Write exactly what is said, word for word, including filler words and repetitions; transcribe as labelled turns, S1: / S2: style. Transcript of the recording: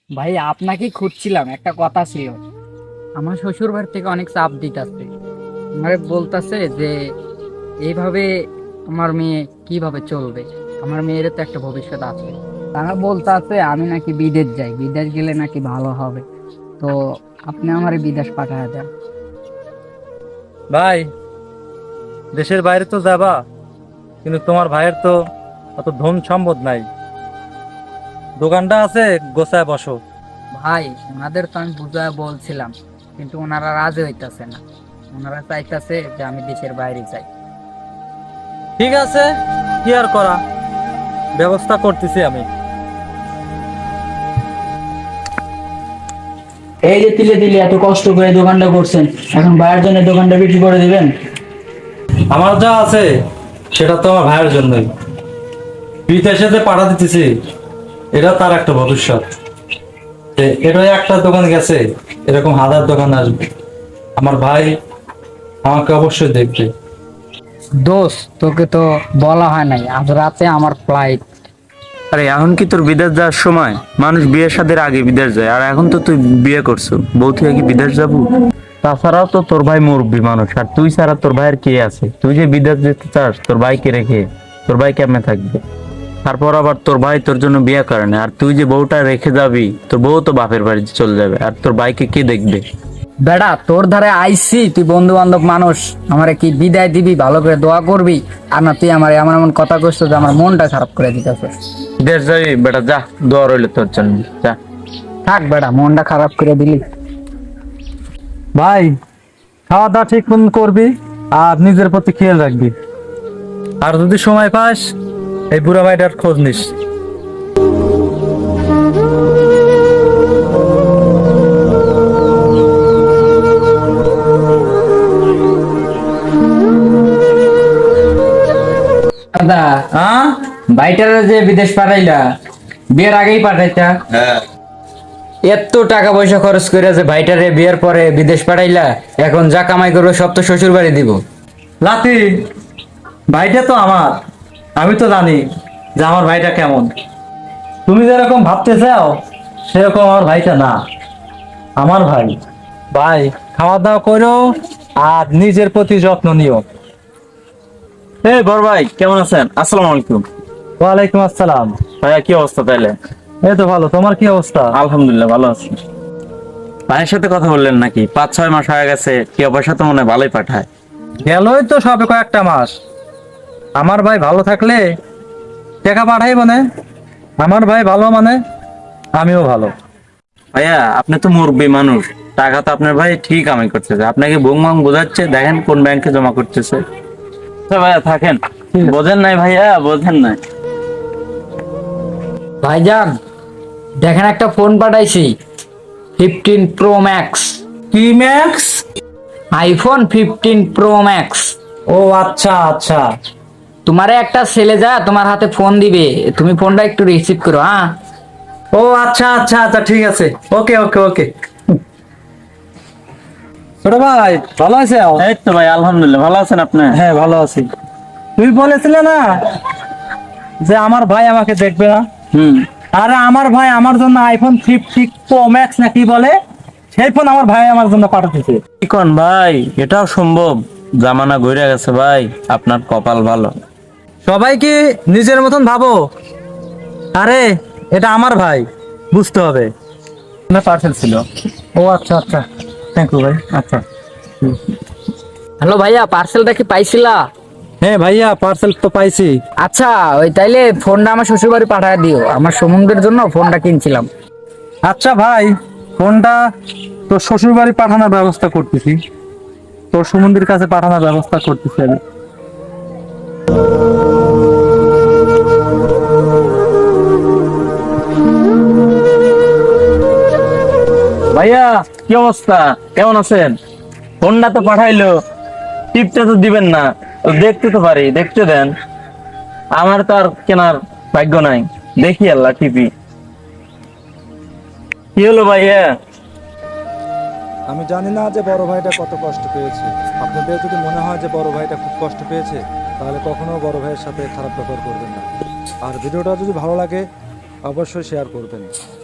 S1: ভাই আপনাকে খুঁজছিলাম, একটা কথা ছিল। আমার শ্বশুর বাড়ি থেকে অনেক চাপ দিতেছে, আমারে বলতেছে যে এইভাবে আমার মেয়ে কিভাবে চলবে। আমার মেয়ের তো একটা ভবিষ্যৎ আছে। তারা বলতেছে আমি নাকি বিদেশ যাই, বিদেশ গেলে নাকি ভালো হবে। তো আপনি আমার বিদেশ পাঠায় দেন।
S2: ভাই, দেশের বাইরে তো যাবা, কিন্তু তোমার ভাইয়ের তো অত ধন সম্পদ নাই। দোকানটা আছে, গোছায় বসো।
S1: ভাই ওনাদের তো আমি বুঝায় বলছিলাম, কিন্তু ওনারা রাজি হইতাছে না। ওনারা চাইতেছে যে আমি দেশের বাইরে যাই।
S2: ঠিক আছে, কি আর করা, ব্যবস্থা করতেছি আমি।
S3: এই যে তিলে তিলে এত কষ্ট করে দোকানটা করছেন, এখন ভাইয়ের জন্য দোকানটা বিক্রি করে দিবেন?
S2: আমার যা আছে সেটা তো আমার ভাইয়ের জন্যই। বিদেশে যে পাঠা দিতেছি, এটা তার একটা ভবিষ্যৎ। এ- এটা একটা দোকান গেছে, এরকম হাজার দোকান আসবে। আমার ভাই আমাকে অবশ্যই দেখবে।
S1: দোস্ত, তোকে তো বলা হয় নাই আজ রাতে আমার ফ্লাইট।
S4: আরে এখন কি তোর বিদেশ যাওয়ার সময়? মানুষ বিয়ের সাথে আগে বিদেশ যায়, আর এখন তো তুই বিয়ে করছো, বউ তুই কি বিদেশ যাবো? তাছাড়াও তো তোর ভাই মুরব্বী মানুষ, আর তুই ছাড়া তোর ভাইয়ের কে আছে? তুই যে বিদেশ যেতে চাস, তোর ভাইকে রেখে তোর ভাই কেমনে থাকবে? তারপর আবার তোর ভাই তোর জন্য বিয়ে করে না, আর তুই যে বউটা রেখে যাবি, তোর বউ তো বাপের বাড়িতে চলে যাবে, আর তোর ভাইকে কে দেখবে?
S1: বেটা, তোর ধারে আইসি, তুই বন্ধু বান্ধব মানুষ, আমারে কি বিদায় দিবি, ভালো করে দোয়া করবি? আর না তুই আমার এমন এমন কথা কইছ যে আমার মনটা খারাপ করে দিতেছে।
S4: বিদেশ যাবি বেটা, যা, দোয়া রইলো তোর জন্য, যা।
S1: থাক বেটা, মনটা খারাপ করে দিলি।
S2: ভাই, খাওয়া দাওয়া ঠিক মতন করবি, আর নিজের প্রতি খেয়াল রাখবি। আর যদি সময় পাস, এই বুড়া ভাইটার খোঁজ নিস।
S1: দাদা,
S2: হ্যাঁ,
S1: বাইটারে যে বিদেশ পাঠাইলা, বিয়ের আগেই পাঠাইতা। এত টাকা পয়সা খরচ করে যে ভাইটারে বিয়ের পরে বিদেশ পাঠাইলা, এখন যা কামাই করবে সব তো শ্বশুর বাড়ি দিব।
S2: লাতি, ভাইটা তো আমার। আমি তো জানি যে আমার ভাইটা কেমন। তুমি যেরকম ভাবতে চাও সেরকম আমার ভাইটা না। আমার ভাই ভাই খাওয়া দাওয়া করো, আর নিজের প্রতি যত্ন নিও।
S4: এই বড় ভাই, কেমন আছেন? আসসালামু আলাইকুম।
S2: ওয়ালাইকুম আসসালাম।
S4: ভাইয়া, কি অবস্থা তাইলে?
S2: এই তো ভালো, তোমার কি অবস্থা?
S4: আলহামদুলিল্লাহ, ভালো আছি। ভাইয়ের সাথে কথা বললেন নাকি? পাঁচ ছয় মাস হয়ে গেছে, কি পয়সা তো মনে হয় ভালোই পাঠায়।
S2: গেলই তো সবে কয়েকটা মাস। আমার ভাই ভালো থাকলে টাকা পাঠাইব না। আমার ভাই ভালো মানে আমিও ভালো।
S4: ভাইয়া, আপনি তো মুরব্বী মানুষ, টাকা তো আপনার ভাই ঠিক কামাই করতেছে, আপনাকে বুং বাং বোঝাচ্ছে, দেখেন কোন ব্যাংকে জমা করতেছে। আচ্ছা ভাইয়া, থাকেন। বোঝেন নাই ভাইয়া, বোঝেন নাই।
S1: ভাইজান, দেখেন একটা ফোন পাঠাইছি, ফিফটিন প্রো ম্যাক্স।
S2: কি max?
S1: IPhone fifteen pro max.
S2: ও আচ্ছা আচ্ছা।
S1: তোমারে একটা ছেলে যা তোমার হাতে ফোন দিবে, তুমি ফোনটা একটু রিসিভ করো। হ্যাঁ,
S2: ও আচ্ছা আচ্ছা আচ্ছা, ঠিক আছে, ওকে ওকে ওকে। ছোট ভাই, ভালো আছে?
S4: এই তো ভাই, আলহামদুলিল্লাহ, ভালো আছেন আপনি?
S2: হ্যাঁ, ভালো আছি। তুই বলেছিলে না যে আমার ভাই আমাকে দেখবে না?
S4: হুম।
S2: আরে আমার ভাই আমার জন্য আইফোন ফিফটি প্রো ম্যাক্স না কি বলে, সেই ফোন আমার ভাই আমার জন্য পাঠাতেছে।
S4: কি কোন ভাই, এটাও সম্ভব? জামানা ঘুরে গেছে ভাই, আপনার কপাল ভালো।
S2: সবাই কি নিজের মতন ভাবো? আরে এটা আমার ভাই, বুঝতে হবে। না, পার্সেল ছিল। ও আচ্ছা আচ্ছা, থ্যাংক ইউ ভাই। আচ্ছা।
S1: হ্যালো ভাইয়া, পার্সেলটা কি পাইছিলা?
S2: হ্যাঁ ভাইয়া, পার্সেল তো পাইছি।
S1: আচ্ছা, ওই তাইলে ফোনটা আমার শ্বশুর বাড়ি পাঠায় দিও, আমার সমুদ্রের জন্য ফোনটা কিনছিলাম।
S2: আচ্ছা ভাই, ফোনটা তোর শ্বশুর বাড়ি পাঠানোর ব্যবস্থা করতেছি, তোর সুমন্দির কাছে পাঠানোর ব্যবস্থা করতেছি আমি।
S4: ভাইয়া, কি অবস্থা? কেমন আছেন? ফোনটা তো পাঠাইলো, টিপটা তো দিবেন না? তো দেখতে তো পারি, দেখতে দেন। আমার তো আর কেনার ভাগ্য নাই, দেখি আল্লাহ টিপি। কি হলো ভাইয়া?
S5: আমি জানি না যে বড় ভাইটা কত কষ্ট পেয়েছে। আপনাদের যদি মনে হয় যে বড় ভাইটা খুব কষ্ট পেয়েছে, তাহলে কখনো বড় ভাইয়ের সাথে খারাপ ব্যবহার করবেন না। আর ভিডিওটা যদি ভালো লাগে অবশ্যই শেয়ার করবেন।